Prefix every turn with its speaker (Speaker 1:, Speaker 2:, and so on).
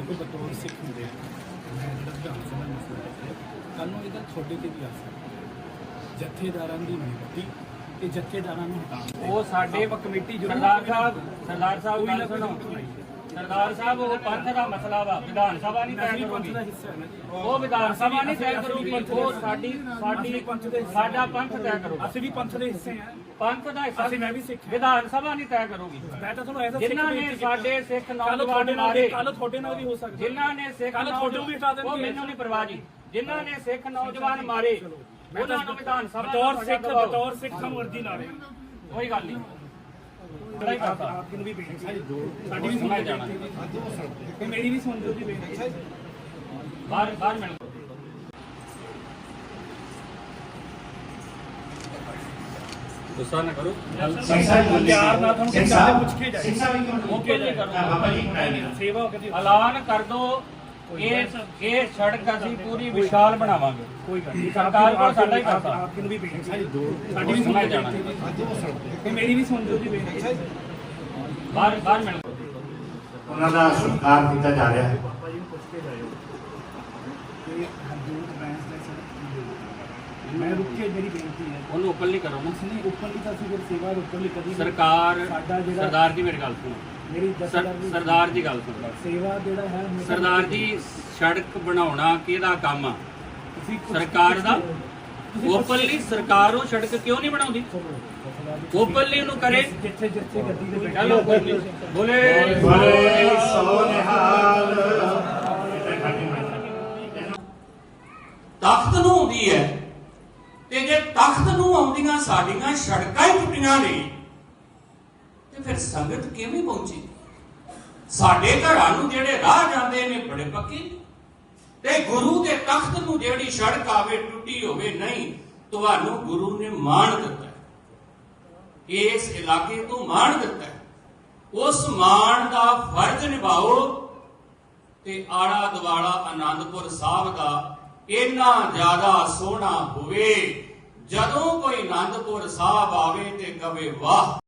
Speaker 1: देखो बतौर सिख होंगे मैं जो विधान सभा मसला है कल ਨੂੰ ਇਹਦਾ ਤੁਹਾਡੇ ਤੇ ਵੀ ਆ ਸਕਦਾ ਜਥੇਦਾਰਾਂ ਦੀ ਨਿਯੁਕਤੀ ਤੇ ਜਥੇਦਾਰਾਂ ਨੂੰ ਹਟਾਉਣ
Speaker 2: ਉਹ ਸਾਡੇ
Speaker 1: ਕਮੇਟੀ ਜ਼ਰੂਰ
Speaker 2: ਸਰਦਾਰ ਸਾਹਿਬ ਗੱਲ ਸੁਣੋ ਸਰਦਾਰ ਸਾਹਿਬ ਉਹ ਪੰਥ ਦਾ ਮਸਲਾ ਵਾ ਵਿਧਾਨ ਸਭਾ ਨਹੀਂ ਤੈਅ ਕਰੂਗੀ
Speaker 1: ਦਾ ਹਿੱਸਾ ਹੈ ਨਾ ਜੀ
Speaker 2: ਉਹ ਵਿਧਾਨ ਸਭਾ ਨਹੀਂ ਤੈਅ ਕਰੂਗੀ ਉਹ ਸਾਡਾ ਪੰਥ ਤੈਅ ਕਰੂਗਾ
Speaker 1: ਅਸੀਂ ਵੀ ਪੰਥ ਦੇ ਹਿੱਸੇ ਆ
Speaker 2: ਪੰਥ ਦਾ ਹਿੱਸਾ
Speaker 1: ਅਸੀਂ ਮੈਂ ਵੀ ਸਿੱਖ
Speaker 2: ਵਿਧਾਨ ਸਭਾ ਨਹੀਂ ਤੈਅ ਕਰੂਗੀ
Speaker 1: ਮੈਂ ਤਾਂ ਤੁਹਾਨੂੰ ਐਸਾ
Speaker 2: ਜਿਨ੍ਹਾਂ ਨੇ ਸਾਡੇ ਸਿੱਖ ਨੌਜਵਾਨ ਮਾਰੇ
Speaker 1: ਕੱਲ ਤੁਹਾਡੇ ਨਾਲ ਵੀ ਹੋ ਸਕਦਾ
Speaker 2: ਜਿਨ੍ਹਾਂ ਨੇ ਸਿੱਖ ਨੌਜਵਾਨ ਉਹ ਮੈਨੂੰ ਨਹੀਂ ਪਰਵਾਹ ਜੀ ਜਿਨ੍ਹਾਂ ਨੇ ਸਿੱਖ ਨੌਜਵਾਨ ਮਾਰੇ ਉਹਨਾਂ ਨੂੰ ਵਿਧਾਨ ਸਭਾ
Speaker 1: ਬਤੌਰ ਸਿੱਖ ਸਮਰਦੀ ਨਾਲ
Speaker 2: ਕੋਈ ਗੱਲ ਨਹੀਂ
Speaker 1: ਆਪ ਨੂੰ ਵੀ ਬੇਨਤੀ ਹੈ ਸਾਡੀ ਵੀ ਸੁਣਾਈ ਜਾਣਾ ਕਿ ਮੇਰੀ ਵੀ ਸੁਣ ਦਿਓ ਜੀ ਬੇਨਤੀ
Speaker 2: ਬਾਹਰ ਮਿਲ ਗੁੱਸਾ ਨਾ ਕਰੋ
Speaker 1: ਪਿਆਰ ਨਾਲ ਤੁਹਾਨੂੰ ਕਿਹਾ ਪੁੱਛ ਕੇ ਜਾਏ ਸੇਵਾ ਹੋ ਕੇ
Speaker 2: ਐਲਾਨ ਕਰ ਦੋ ਇਹ ਸੜਕ ਅਸੀਂ ਪੂਰੀ ਵਿਸ਼ਾਲ ਬਣਾਵਾਂਗੇ ਕੋਈ ਗੱਲ ਨਹੀਂ ਸਰਕਾਰ ਕੋਲ ਸਾਡਾ ਹੀ ਪੈਸਾ
Speaker 1: ਆਪ ਨੂੰ ਵੀ ਬੇਨਤੀ ਹੈ ਸਾਡੀ ਵੀ ਸੁਣਾਈ ਜਾਣਾ ਕਿ ਮੇਰੀ ਵੀ ਸੁਣ ਦਿਓ ਜੀ ਬੇਨਤੀ
Speaker 2: ਬਾਹਰ ਮਿਲ
Speaker 3: ਉਹਨਾਂ ਦਾ ਸਤਿਕਾਰ ਕੀਤਾ ਜਾ ਰਿਹਾ ਹੈ
Speaker 1: ਮੈਂ ਰੁਕ ਕੇ ਮੇਰੀ ਬੇਨਤੀ ਹੈ
Speaker 2: ਉਹਨੂੰ ਉੱਪਰ ਨਹੀਂ ਕਰੋ
Speaker 1: ਉਸਨੇ ਉੱਪਰ ਦੀ ਤਾਂ ਸੀ ਫਿਰ ਸੇਵਾ ਉੱਪਰ ਲਈ ਕਦੀ
Speaker 2: ਸਰਕਾਰ ਸਰਦਾਰ ਜੀ ਮੇਰੀ ਗੱਲ ਸੁਣੋ
Speaker 1: ਮੇਰੀ
Speaker 2: ਸਰਦਾਰ ਜੀ ਗੱਲ ਸੁਣੋ
Speaker 1: ਸੇਵਾ ਜਿਹੜਾ ਹੈ
Speaker 2: ਸਰਦਾਰ ਜੀ ਸੜਕ ਬਣਾਉਣਾ ਕਿਹਦਾ ਕੰਮ ਆ
Speaker 1: ਤੁਸੀਂ
Speaker 2: ਸਰਕਾਰ ਦਾ ਓਪਨਲੀ ਸਰਕਾਰ ਉਹ ਸੜਕ ਕਿਉਂ ਨਹੀਂ ਬਣਾਉਂਦੀ ਓਪਨਲੀ ਉਹਨੂੰ ਕਰੇ
Speaker 1: ਜਿੱਥੇ ਜਿੱਥੇ ਗੱਡੀ ਦੇ ਬੈਠੇ
Speaker 2: ਚਲੋ ਕੋਈ ਨਹੀਂ ਬੋਲੇ
Speaker 3: ਬੋਲੇ ਸੋ ਨਿਹਾਲ
Speaker 4: ਤਖਤ ਨੂੰ ਆਉਂਦੀ ਹੈ ਤੇ ਜੇ ਤਖਤ ਨੂੰ ਆਉਂਦੀਆਂ ਸਾਡੀਆਂ ਸੜਕਾਂ ਹੀ ਟੁੱਟੀਆਂ ਨੇ ਤੇ ਫਿਰ ਸੰਗਤ ਕਿਵੇਂ ਪਹੁੰਚੀ ਸਾਡੇ ਘਰਾਂ ਨੂੰ ਜਿਹੜੇ ਰਾਹ ਜਾਂਦੇ ਨੇ ਬੜੇ ਪੱਕੇ ਤੇ ਗੁਰੂ ਦੇ ਤਖਤ ਨੂੰ ਜਿਹੜੀ ਸੜਕ ਆਵੇ ਟੁੱਟੀ ਹੋਵੇ ਨਹੀਂ ਤੁਹਾਨੂੰ ਗੁਰੂ ਨੇ ਮਾਣ ਦਿੱਤਾ ਇਸ ਇਲਾਕੇ ਤੋਂ ਮਾਣ ਦਿੱਤਾ ਉਸ ਮਾਣ ਦਾ ਫਰਜ਼ ਨਿਭਾਓ ਤੇ ਆਲਾ ਦੁਆਲਾ ਆਨੰਦਪੁਰ ਸਾਹਿਬ ਦਾ ਇੰਨਾ ਜ਼ਿਆਦਾ ਸੋਹਣਾ ਹੋਵੇ ਜਦੋਂ ਕੋਈ ਆਨੰਦਪੁਰ ਸਾਹਿਬ ਆਵੇ ਤੇ ਕਵੇ ਵਾਹ।